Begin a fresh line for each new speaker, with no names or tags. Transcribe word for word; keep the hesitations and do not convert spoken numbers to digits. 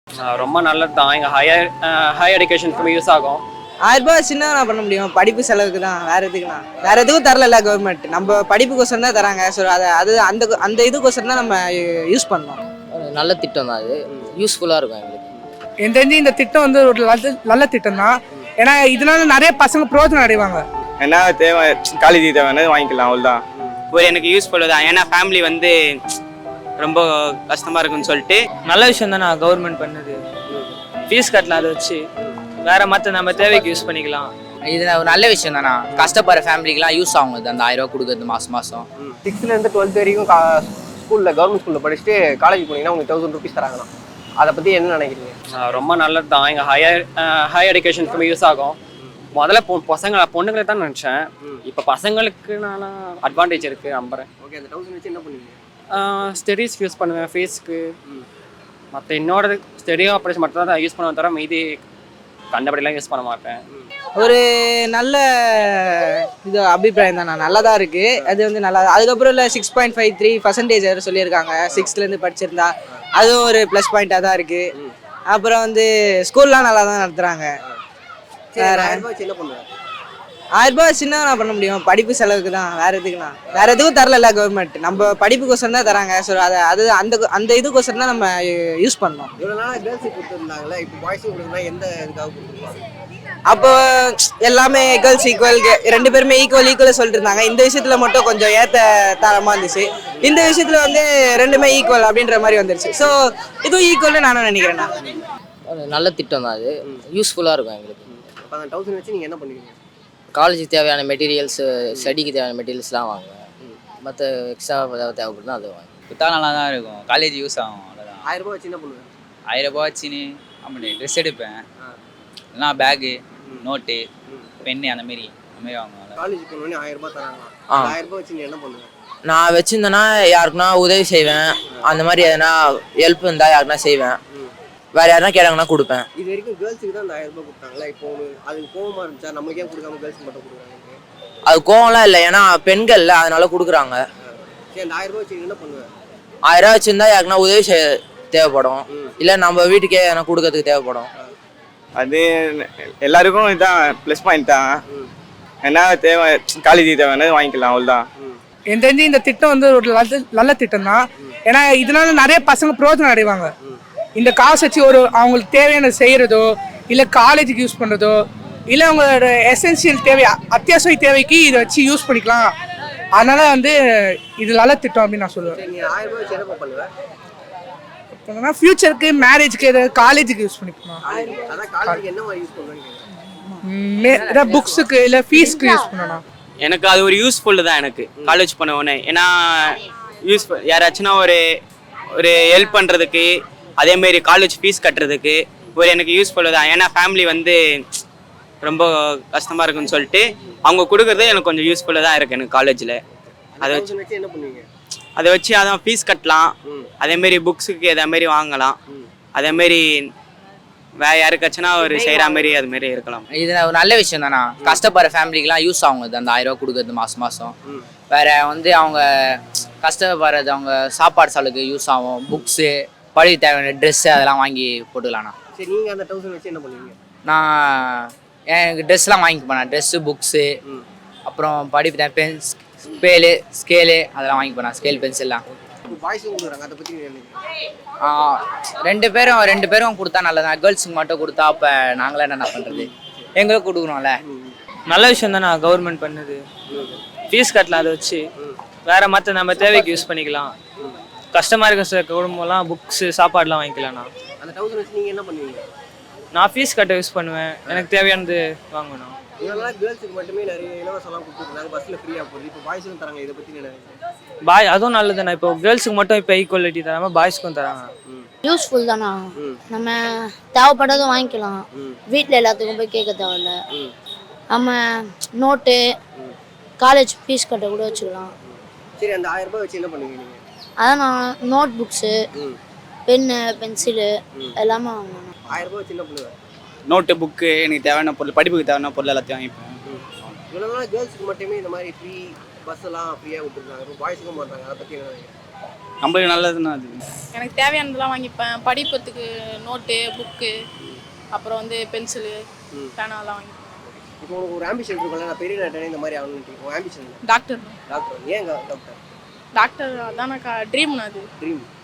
ரொம்ப நல்லது தான். எங்கள் ஹையர் ஹையர் எஜுகேஷனுக்கு யூஸ் ஆகும்.
ஆயிரம் ரூபாய் சின்ன நான் பண்ண முடியும், படிப்பு செலவுக்கு தான், வேற எதுக்குண்ணா? வேற எதுக்கும் தரல கவர்மெண்ட், நம்ம படிப்புக்கோசரம் தான் தராங்க. ஸோ அதை அது அந்த அந்த இதுக்கோசரம் தான் நம்ம யூஸ் பண்ணோம்.
நல்ல திட்டம் தான், அது யூஸ்ஃபுல்லாக இருக்கும் எங்களுக்கு.
எனக்கு தெரிஞ்சு இந்த திட்டம் வந்து ஒரு நல்ல நல்ல திட்டம் தான். ஏன்னா இதனால நிறைய பசங்க பிரோஜனம் அடைவாங்க.
என்ன தேவை, காலேஜ் தேவையானது வாங்கிக்கலாம், அவ்வளோதான்.
ஒரு எனக்கு யூஸ்ஃபுல்லு தான். ஏன்னா ஃபேமிலி வந்து ரொம்ப கஷ்டமாக இருக்குன்னு சொல்லிட்டு
நல்ல விஷயம் தான் நான் கவர்மெண்ட் பண்ணுது. ஃபீஸ் கட்டலாம், அதை வச்சு வேற மற்ற நம்ம தேவைக்கு யூஸ் பண்ணிக்கலாம்.
இது ஒரு நல்ல விஷயம் தானா, கஷ்டப்படுற ஃபேமிலிக்கெலாம் யூஸ் ஆகும் அந்த ஆயிரம் ரூபா கொடுக்குறது மாதம் மாதம்.
சிக்ஸ்த்லேருந்து டுவெல்த் வரைக்கும் கா ஸ்கூலில் கவர்மெண்ட் ஸ்கூலில் படிச்சுட்டு காலேஜ் போனீங்கன்னா உங்களுக்கு தௌசண்ட் ருபீஸ் தராங்கண்ணா. அதை பற்றி என்ன நினைக்கிறீங்க?
ரொம்ப நல்லது தான். எங்கள் ஹையர் ஹையர் எஜுகேஷனுக்கு யூஸ் ஆகும். முதல்ல பொ பசங்களை பொண்ணுங்களை தான் நினச்சேன். இப்போ பசங்களுக்கு நான் அட்வான்டேஜ் இருக்குது நம்புறேன்.
ஓகே, அந்த தௌசண்ட் வச்சு என்ன பண்ணுவீங்க?
ஸ்டடீஸ்க்கு யூஸ் பண்ணுவேன், ஃபீஸ்க்கு. மற்ற என்னோட ஸ்டடி ஆப்ரேஷன் மட்டும் தான் யூஸ் பண்ணுவேன், தவிர மீதி கண்டபடிலாம் யூஸ் பண்ண மாட்டேன்.
ஒரு நல்ல இது அபிப்பிராயம் தான், நல்லதாக இருக்குது. அது வந்து நல்லா. அதுக்கப்புறம் இல்லை six point five three percentage வேறு சொல்லியிருக்காங்க சிக்ஸ்த்லேருந்து படிச்சிருந்தா, அதுவும் ஒரு ப்ளஸ் பாயிண்ட்டாக தான் இருக்குது. அப்புறம் வந்து ஸ்கூல்லாம் நல்லா தான் நடத்துகிறாங்க. வேறு
ஆயிரம் ரூபாய் வச்சு என்ன பண்ணுவேன்?
ஆயிரம் ரூபாய் சின்ன நான் பண்ண முடியும், படிப்பு செலவுக்கு தான், வேற எதுக்குண்ணா? வேற எதுக்கும் தரல கவர்மெண்ட், நம்ம படிப்புக்கோசரம் தான் தராங்க. ஸோ அதை அது அந்த அந்த இதுக்கோசரம் தான் நம்ம யூஸ் பண்ணோம்.
இவ்வளோ நாளாக கேர்ள்ஸுக்கு கொடுத்துருந்தாங்களே, இப்போ பாய்ஸுக்கு கொடுக்குறா எந்த இதுக்காக கொடுத்துருப்பாங்க?
அப்போ எல்லாமே கேர்ள்ஸ் ஈக்குவல், ரெண்டு பேருமே ஈக்குவல் ஈக்குவலாக சொல்லிட்டு இருந்தாங்க. இந்த விஷயத்துல மட்டும் கொஞ்சம் ஏற்ற தரமாக இருந்துச்சு. இந்த விஷயத்துல வந்து ரெண்டுமே ஈக்குவல் அப்படின்ற மாதிரி வந்துருச்சு. ஸோ இதுவும் ஈக்குவல்னு நானும் நினைக்கிறேண்ணா.
நல்ல திட்டம் தான், அது யூஸ்ஃபுல்லாக இருக்கும் எங்களுக்கு.
அப்போ அந்த தௌசண்ட் வச்சு நீங்கள் என்ன பண்ணுவீங்க?
காலேஜுக்கு தேவையான மெட்டீரியல்ஸு, ஸ்டடிக்கு தேவையான மெட்டீரியல்ஸ்லாம் வாங்குவேன். மற்ற எக்ஸ்ட்ரா ஏதாவது தேவைப்படுதுன்னா அதை வாங்க
கொடுத்தா நல்லா தான் இருக்கும், காலேஜ் யூஸ் ஆகும், அவ்வளோதான்.
ஆயிரம் ரூபாய் வச்சு என்ன பண்ணுவேன்?
ஆயிரம் ரூபாய் வச்சுன்னு அப்படி ட்ரெஸ் எடுப்பேன், இல்லைனா பேகு, நோட்டு, பென்னு அந்த மாரி அந்த மாரி வாங்குவேன்.
காலேஜ் போனோடனே ஆயிரம் ரூபாய் தராங்களா? ஆயிரம் ரூபாய் வச்சு நீ என்ன பண்ணுவேன்?
நான் வச்சுருந்தேன்னா யாருக்குன்னா உதவி செய்வேன், அந்த மாதிரி எதனா ஹெல்ப் இருந்தால் யாருக்குன்னா செய்வேன், வேறு யாருன்னா கேட்டாங்கன்னா கொடுப்பேன்.
இது வரைக்கும் கேர்ள்ஸுக்கு தான் அந்த ஆயிரம் ரூபாய் கொடுத்தாங்களா? இப்போ அது கோவமாக இருந்துச்சா? நமக்கு ஏன் கொடுக்காம கேர்ள்ஸுக்கு மட்டும் கொடுக்குறாங்க?
அது கோவம்லாம் இல்லை, ஏன்னா பெண்கள்ல அதனால கொடுக்குறாங்க.
சரி, அந்த ஆயிரம் ரூபாய் வச்சு என்ன பண்ணுவேன்?
ஆயிரம் ரூபா வச்சுருந்தா யாருக்குன்னா உதவி செய்ய தேவைப்படும், இல்லை நம்ம வீட்டுக்கே எதனா கொடுக்கறதுக்கு தேவைப்படும்.
அது எல்லாருக்கும் இதுதான் ப்ளஸ் பாயிண்ட் தான். என்ன தேவை, காலேஜ் தேவையானது வாங்கிக்கலாம், அவ்வளோதான்.
எனக்கு தெரிஞ்சு இந்த திட்டம் வந்து ஒரு நல்ல நல்ல திட்டம் தான். ஏன்னா இதனால நிறைய பசங்க பிரோஜனம் அடைவாங்க. இந்த காசு வச்சு ஒரு அவங்களுக்கு தேவையான செய்கிறதோ, இல்லை காலேஜுக்கு யூஸ் பண்ணுறதோ, இல்லை அவங்களோட எசென்சியல் தேவை, அத்தியாவசிய தேவைக்கு இதை வச்சு யூஸ் பண்ணிக்கலாம். அதனால வந்து இது நல்ல திட்டம் அப்படின்னு நான் சொல்லுவேன்.
நீ ஆயிரம் ரூபாய் வச்சு என்ன பண்ணுவேன்?
இப்போ ஃபியூச்சருக்கு, மேரேஜுக்கு, ஏதாவது காலேஜுக்கு யூஸ் பண்ணிக்கலாம்.
அதான் காலேஜுக்கு என்ன மாதிரி யூஸ் பண்ணுவேன்னு
ஏதாவது புக்ஸுக்கு இல்லை ஃபீஸ்க்கு யூஸ் பண்ணலாம்.
எனக்கு அது ஒரு யூஸ்ஃபுல்லு தான் எனக்கு காலேஜ் பண்ண உடனே. ஏன்னா யூஸ்ஃபுல் யாராச்சுன்னா ஒரு ஒரு ஹெல்ப் பண்ணுறதுக்கு, அதேமாரி காலேஜ் ஃபீஸ் கட்டுறதுக்கு ஒரு எனக்கு யூஸ்ஃபுல்லு தான். ஏன்னா ஃபேமிலி வந்து ரொம்ப கஷ்டமாக இருக்குன்னு சொல்லிட்டு அவங்க கொடுக்குறது எனக்கு கொஞ்சம் யூஸ்ஃபுல்லாக தான் இருக்குது எனக்கு காலேஜில். அதை வச்சு
என்ன பண்ணுவீங்க?
அதை வச்சு அதான் ஃபீஸ் கட்டலாம், அதேமாரி புக்ஸுக்கு அதேமாரி வாங்கலாம், அதேமாரி வேற யாருக்காச்சுன்னா ஒரு செய்கிற மாதிரி அதுமாரி இருக்கலாம்.
இது ஒரு நல்ல விஷயம் தானா, கஷ்டப்படுற ஃபேமிலிக்கெலாம் யூஸ் ஆகும் அந்த ஆயிரம் ரூபா கொடுக்குறது மாதம் மாதம். வேறு வந்து அவங்க கஷ்டப்படுறது, அவங்க சாப்பாடு செலவுக்கு யூஸ் ஆகும், புக்ஸு, படிக்க தேவையான ட்ரெஸ்ஸு அதெல்லாம் வாங்கி போட்டுக்கலாண்ணா.
சரி, நீங்கள் அந்த தௌசண்ட் வச்சு என்ன பண்ணுவீங்க?
நான் எனக்கு ட்ரெஸ்லாம் வாங்கி போனேன், ட்ரெஸ்ஸு, புக்ஸு, அப்புறம் படிப்பு தேவை, பென், ஸ்கேலு ஸ்கேலு அதெல்லாம் வாங்கி போனேன், ஸ்கேல் பென்சில்லாம்.
பாய்ஸும் கொடுக்குறாங்க, அதை பற்றி
ரெண்டு பேரும் ரெண்டு பேரும் கொடுத்தா நல்லதான். கேர்ள்ஸுக்கு மட்டும் கொடுத்தா அப்போ நாங்களே என்ன பண்ணுறது, எங்களுக்கும் கொடுக்குறோம்ல.
நல்ல விஷயம் தான் நான் கவர்மெண்ட் பண்ணுது. ஃபீஸ் கட்டலாம், அதை வச்சு வேற மற்ற நம்ம தேவைக்கு யூஸ் பண்ணிக்கலாம். கஷ்டமாக இருக்க சார் குடும்பம்லாம் புக்ஸு, சாப்பாடுலாம் வாங்கிக்கலாம்ண்ணா.
அந்த தௌசண்ட் வச்சு நீங்கள் என்ன பண்ணுவீங்க?
நான் ஃபீஸ் கட்ட யூஸ் பண்ணுவேன், எனக்கு தேவையானது வாங்கணும்.
இதெல்லாம் கேர்ள்ஸுக்கு மட்டுமே நிறைய இலவசம்லாம் கொடுத்துருந்தாங்க, பஸ்ஸில் ஃப்ரீயாக போகுது. இப்போ பாய்ஸுக்கும் தராங்க, இதை பற்றி நினைக்கிறேன்.
பாய் அதுவும் நல்லதுண்ணா. இப்போ கேர்ள்ஸுக்கு மட்டும் இப்போ ஈக்குவாலிட்டி தராமல் பாய்ஸ்க்கும் தராங்க.
யூஸ்ஃபுல் தானா, நம்ம தேவைப்பட்டதும் வாங்கிக்கலாம், வீட்டில் எல்லாத்துக்கும் போய் கேட்க தேவையில்ல. நம்ம நோட்டு, காலேஜ் ஃபீஸ் கட்ட கூட வச்சுக்கலாம்.
சரி, அந்த ஆயிரம் ரூபாய் வச்சு என்ன பண்ணுவீங்க நீங்கள்?
அதான் நான் நோட் புக்ஸு, பென்னு, பென்சிலு எல்லாமே வாங்கணும்.
ஆயிரம் ரூபாய் வச்சு என்ன பண்ணுவேன்?
நோட்டு, புக்கு, எனக்கு தேவையான பொருள், படிப்புக்கு தேவையான பொருள் எல்லாத்தையும் வாங்கிப்பேன்.
இவ்வளோ கேர்ள்ஸுக்கு மட்டுமே இந்த மாதிரி ஃப்ரீ பஸ்ஸெல்லாம் ஃப்ரீயாக விட்டுருக்காங்க, இப்போ பாய்ஸுக்கும் பண்ணுறாங்க, அதை பற்றி என்ன நினைக்கிறேன்?
நம்மளுக்கு நல்லதுன்னா அது
எனக்கு தேவையானதெல்லாம் வாங்கிப்பேன். படிப்பத்துக்கு நோட்டு, புக்கு, அப்புறம் வந்து பென்சிலு, பேனாலாம் வாங்கிப்பேன்.
இப்போ உனக்கு ஒரு ஆம்பிஷன் இருக்கும்ல, நான் பெரிய நட்டனே இந்த மாதிரி ஆகணும்னு. உன் ஆம்பிஷன்
டாக்டர்
டாக்டர். ஏன் டாக்டர்?
டாக்டர் அதான் ட்ரீம் அது.
ட்ரீம்.